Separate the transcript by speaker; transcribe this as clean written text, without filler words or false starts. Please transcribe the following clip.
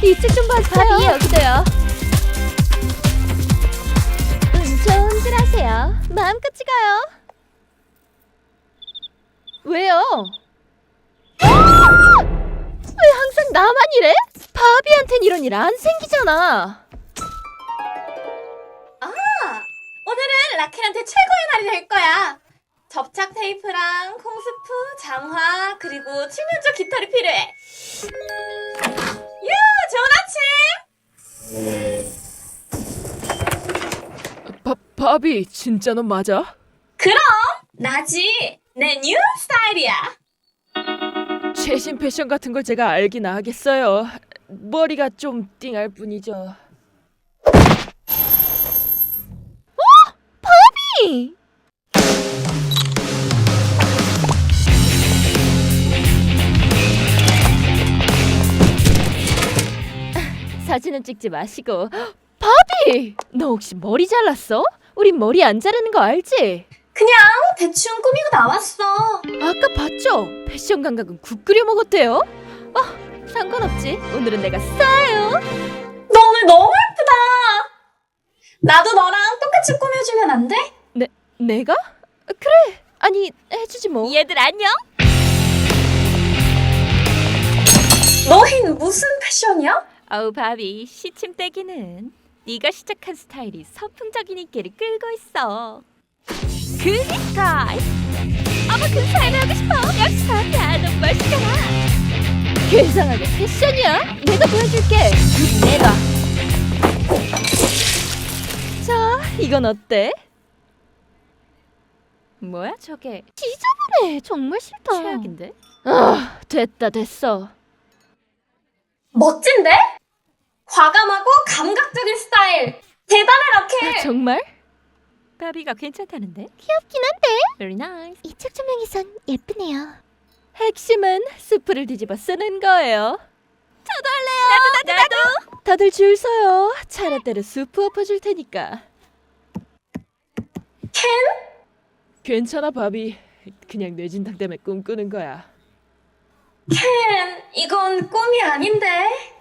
Speaker 1: 이쪽 좀 봐주세요. 바비 여기도요. 운 좋은 길 하세요. 마음껏 찍어요. 왜요? 왜 항상 나만 이래? 바비한텐 이런 일 안 생기잖아.
Speaker 2: 오늘은 라켈한테 최고의 날이 될 거야. 접착 테이프랑 콩스프, 장화, 그리고 칠면조 깃털이 필요해. 좋은 아침!
Speaker 3: 바비, 진짜 너 맞아?
Speaker 2: 그럼! 나지! 내 뉴 스타일이야.
Speaker 3: 최신 패션 같은 걸 제가 알긴 하겠어요. 머리가 좀 띵할 뿐이죠.
Speaker 1: 바비! 사진은 찍지 마시고. 바비! 너 혹시 머리 잘랐어? 우린 머리 안 자르는 거 알지?
Speaker 2: 그냥 대충 꾸미고 나왔어.
Speaker 1: 아까 봤죠? 패션 감각은 국 끓여 먹었대요. 상관없지. 오늘은 내가 싸요.
Speaker 2: 너 오늘 너무 예쁘다. 나도 너랑 똑같이 꾸며주면 안 돼?
Speaker 1: 내가? 그래. 아니, 해주지 뭐.
Speaker 2: 얘들 안녕. 너흰 무슨 패션이야?
Speaker 1: 아우 바비, 시침대기는 네가 시작한 스타일이 서풍적인 인기를 끌고 있어. 그니까 어머 그 스타일 하고 싶어. 역시 바비야, 너 멋있잖아. 괴상하게 패션이야? 내가 보여줄게. 내가. 자, 이건 어때? 뭐야 저게? 지저분해. 정말 싫다. 최악인데? 됐어.
Speaker 2: 멋진데? 과감하고 감각적인 스타일. 대단해 라켈.
Speaker 1: 정말? 바비가 괜찮다는데? 귀엽긴 한데? Very nice. 이쪽 조명에선 예쁘네요. 핵심은 스프를 뒤집어 쓰는 거예요. 저도 할래요. 나도. 다들 줄 서요. 차례대로 수프 엎어줄 테니까.
Speaker 2: 캔?
Speaker 3: 괜찮아, 바비. 그냥 뇌진탕 때문에 꿈꾸는 거야.
Speaker 2: 캔, 이건 꿈이 아닌데.